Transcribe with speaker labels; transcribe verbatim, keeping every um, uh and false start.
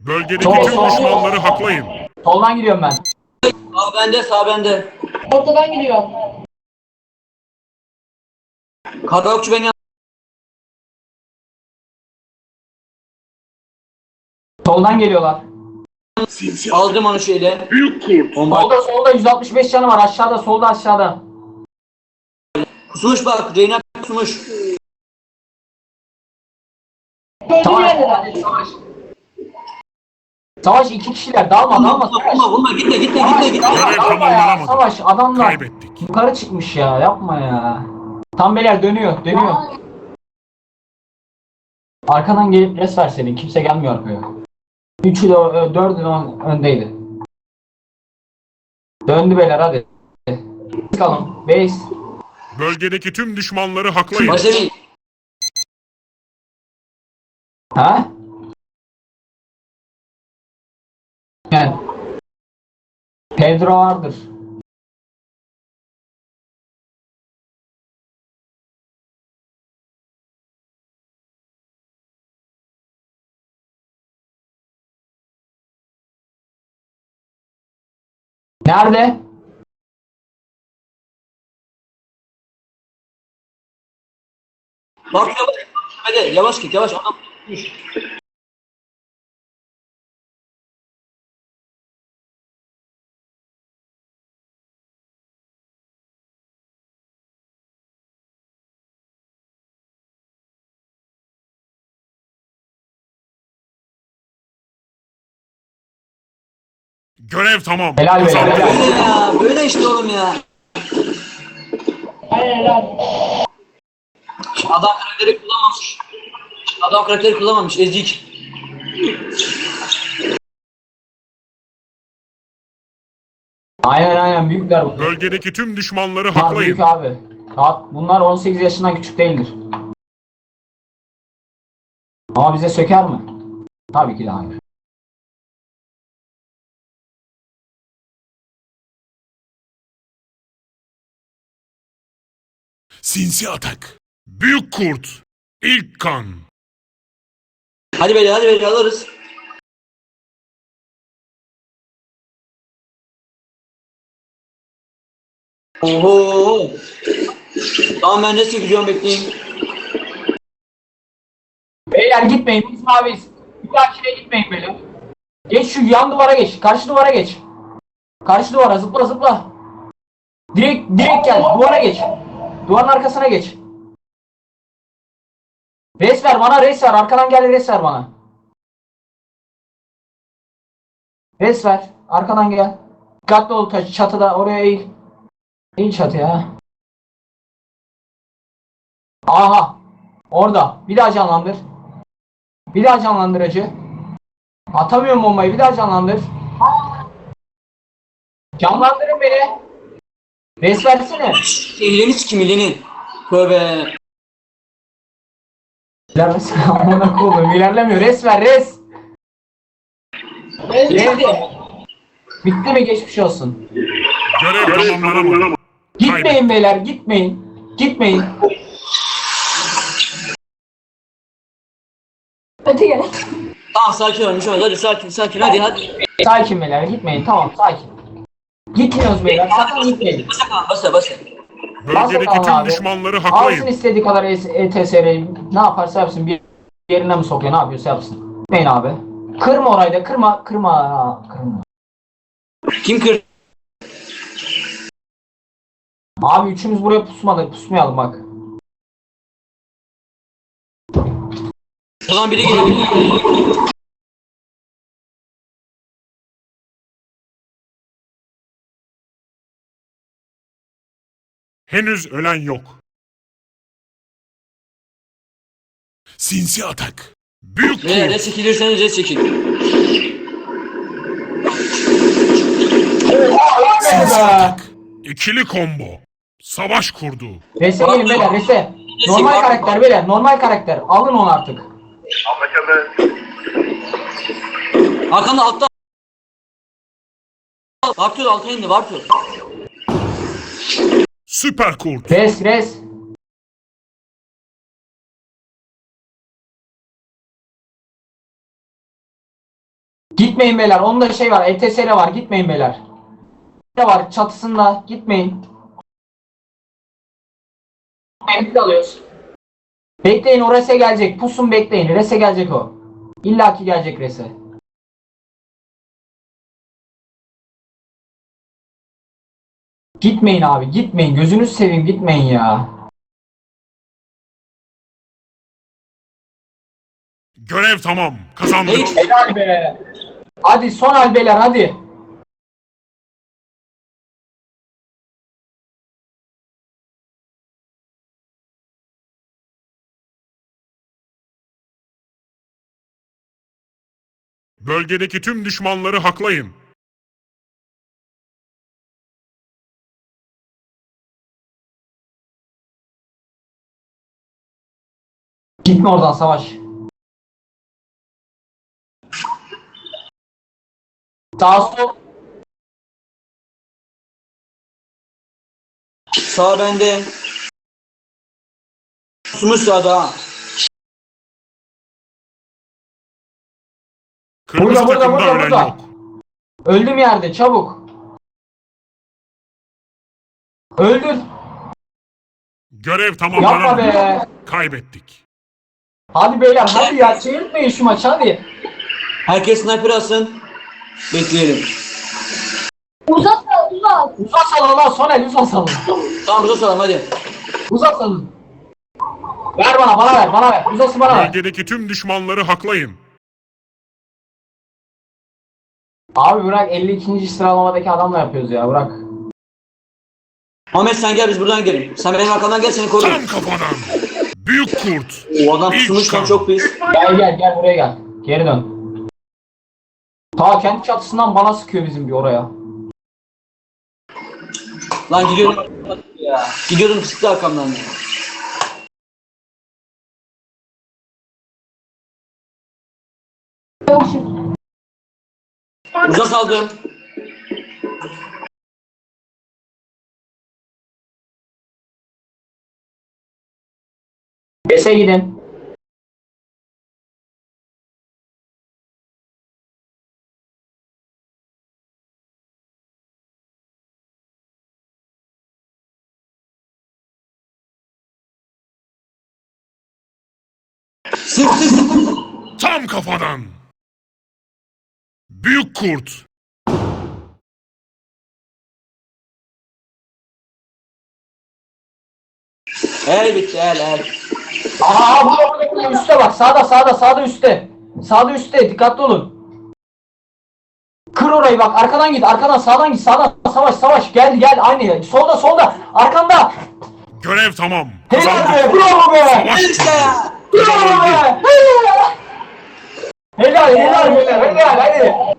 Speaker 1: Bölgedeki
Speaker 2: Sol,
Speaker 1: tüm
Speaker 2: sol.
Speaker 1: düşmanları haklayın.
Speaker 2: Soldan gidiyorum ben.
Speaker 3: Sağ bende, sağ bende.
Speaker 4: Ortadan gidiyor.
Speaker 3: Karaokçu beni
Speaker 2: Soldan geliyorlar.
Speaker 3: aldım onu şeyle. Bomba
Speaker 2: Solda solda yüz altmış beş canı var. Aşağıda solda aşağıda.
Speaker 3: kusmuş bak. Reyna kusmuş.
Speaker 4: Öldüğü
Speaker 2: Savaş.
Speaker 4: yerdeler.
Speaker 2: Savaş. Savaş iki kişiler. Dalma
Speaker 3: Vurma,
Speaker 2: dalma.
Speaker 3: vurma,
Speaker 2: Savaş.
Speaker 3: vurma, vurma. Gitme, gitme,
Speaker 2: Savaş,
Speaker 3: gitme, gitme.
Speaker 2: dalma,
Speaker 1: Görev
Speaker 2: dalma ya.
Speaker 1: tamamlanamadı.
Speaker 2: Savaş adamlar
Speaker 1: Kaybettik.
Speaker 2: yukarı çıkmış ya. Yapma ya. Tam beyler dönüyor. Dönüyor. Arkadan gelip res ver seni. Kimse gelmiyor arkaya. Üçü de ö- dördü de ön- öndeydi. Döndü beyler hadi. Çıkalım. Base.
Speaker 1: Bölgedeki tüm düşmanları haklayın.
Speaker 3: Başlayın.
Speaker 2: Ha? Yani. Pedro vardır. Nerede?
Speaker 3: Bak yavaş. Hadi yavaş git, yavaş. Adam kusmuş.
Speaker 1: Görev tamam.
Speaker 2: Helal be,
Speaker 1: Kazandık.
Speaker 2: helal.
Speaker 3: Böyle ya, böyle işte oğlum ya.
Speaker 4: Aynen helal.
Speaker 3: Adam karakteri kullanmamış. Adam karakteri kullanmamış, ezik.
Speaker 2: Aynen aynen büyükler bunlar.
Speaker 1: Bölgedeki tüm düşmanları
Speaker 2: Bunlar
Speaker 1: haklayın.
Speaker 2: büyük abi. Rahat. Bunlar on sekiz yaşından küçük değildir. Ama bize söker mi? Tabii ki de hayır.
Speaker 1: Sinsi atak. Büyük kurt. İlk kan.
Speaker 3: Hadi beyler, hadi beyler alırız. Oho. Tamam ben de gidiyorum, bekleyin.
Speaker 2: Beyler gitmeyin. Biz maviyiz. Bir dahakine gitmeyin beyler. Geç şu yan duvara geç. Karşı duvara geç. Karşı duvara zıpla zıpla. Direkt direkt gel. Duvara geç. Duvarın arkasına geç. Res ver bana, res ver. Arkadan gel, res ver bana. Res ver. Arkadan gel. Dikkatli ol taş çatıda, oraya eğil. Eğil çatıya. Aha. Orada. Bir daha canlandır. Bir daha canlandır acı. Atamıyorum bombayı. Bir daha canlandır. Canlandırın beni. Res versene.
Speaker 3: İleni sikim ileni. Tövbe.
Speaker 2: İlerlesin. Amına koyayım. İlerlemiyor. Res ver, res. Geldi. Bitti mi? Geçmiş olsun.
Speaker 1: Görev tamamlanamadı.
Speaker 2: Gitmeyin beyler, gitmeyin. Gitmeyin.
Speaker 4: Öte gel.
Speaker 3: Tamam sakin olun, bir şey olmaz. Hadi sakin, sakin, hadi hadi.
Speaker 2: Sakin beyler, gitmeyin. Tamam, sakin. Gitmiyoruz beyler. Sakın gitmeyin.
Speaker 3: Basa kalan, basa basa.
Speaker 1: Bölgedeki
Speaker 2: Basın
Speaker 1: tüm
Speaker 2: abi.
Speaker 1: düşmanları
Speaker 2: Alsın
Speaker 1: haklayın.
Speaker 2: istediği kadar E T S R'yi. Ne yaparsa yapsın. Bir yerine mi sokuyor? Ne yapıyorsa yapsın. Gitmeyin abi. Kırma orayı da. Kırma. Kırma. Kırma.
Speaker 3: Kim kır?
Speaker 2: Abi üçümüz buraya pusmadık. Pusmayalım bak.
Speaker 3: O zaman biri geliyor.
Speaker 1: Henüz ölen yok. Sinsi atak. Büyük
Speaker 3: Beyler
Speaker 1: kurt.
Speaker 3: res çekilirseniz res çekin.
Speaker 1: Sinsi atak. İkili combo. Savaş kurdu.
Speaker 2: Rese gelin beyler. Rese. Normal karakter beyler. Normal karakter. Alın onu artık.
Speaker 3: Hakan da altta. Vartıyor, alta indi, vartıyor.
Speaker 1: Süper kurt.
Speaker 2: Res res. Gitmeyin beyler. Onun da şey var. E T S R var. Gitmeyin beyler. Ne var? Çatısında. Gitmeyin.
Speaker 4: Emri alıyoruz.
Speaker 2: Bekleyin o rese gelecek. Pusun bekleyin. Rese gelecek o. İlla ki gelecek rese. Gitmeyin abi. Gitmeyin. Gözünüzü seveyim. Gitmeyin ya.
Speaker 1: Görev tamam. Kazandık.
Speaker 3: Neydi?
Speaker 2: Helal be. Hadi son hal beyler hadi.
Speaker 1: Bölgedeki tüm düşmanları haklayın.
Speaker 2: Gitme oradan savaş. Sağ sol.
Speaker 3: Sağ bende. Sumuş sağda ha.
Speaker 1: Kırmızı
Speaker 2: Burada, burada,
Speaker 1: takımda
Speaker 2: burada,
Speaker 1: ölen
Speaker 2: burada.
Speaker 1: yok.
Speaker 2: Öldüm yerde çabuk. Öldür.
Speaker 1: Görev
Speaker 2: Yapma
Speaker 1: tamamlanamadı.
Speaker 2: be.
Speaker 1: Kaybettik.
Speaker 2: Hadi beyler hadi ya çevirtmeyin şu maçı hadi.
Speaker 3: Herkes sniper alsın. Bekleyelim.
Speaker 4: Uzat al, uzat.
Speaker 2: Uzat salın lan Soner uzat salın.
Speaker 3: Tamam burada salalım hadi.
Speaker 2: Uzat salın. Ver bana bana ver bana ver. Uzası bana ver.
Speaker 1: Bölgedeki tüm düşmanları haklayın.
Speaker 2: Abi bırak elli ikinci sıralamadaki adamla yapıyoruz ya bırak.
Speaker 3: Ahmet sen gel biz buradan gidelim. Sen benim arkamdan gel seni
Speaker 1: Tam
Speaker 3: korurum.
Speaker 1: kafadan. Büyük kurt.
Speaker 3: O adam
Speaker 1: İlk
Speaker 3: sumuş lan
Speaker 1: kan.
Speaker 3: çok pis.
Speaker 2: Gel gel gel buraya gel. Geri dön. Ta kendi çatısından bana sıkıyor bizim bir oraya.
Speaker 3: Lan gidiyordum. Ya. Gidiyordum sıktı arkamdan ya.
Speaker 4: Yok şimdi.
Speaker 3: Uza saldım.
Speaker 2: Bese gidin.
Speaker 3: Sık sık sık.
Speaker 1: Tam kafadan. Büyük kurt.
Speaker 3: El bitti el el.
Speaker 2: Aa burada burada burada üstte bak sağda sağda sağda üstte. Sağda üstte dikkatli olun. Kır orayı bak arkadan git arkadan sağdan git sağdan savaş savaş gel gel aynı solda solda arkanda.
Speaker 1: Görev tamam.
Speaker 2: Helal
Speaker 1: Kazandık.
Speaker 2: be bravo be.
Speaker 1: Savaş
Speaker 3: El işte ya.
Speaker 2: Bravo be. Helal helal helal helal hadi.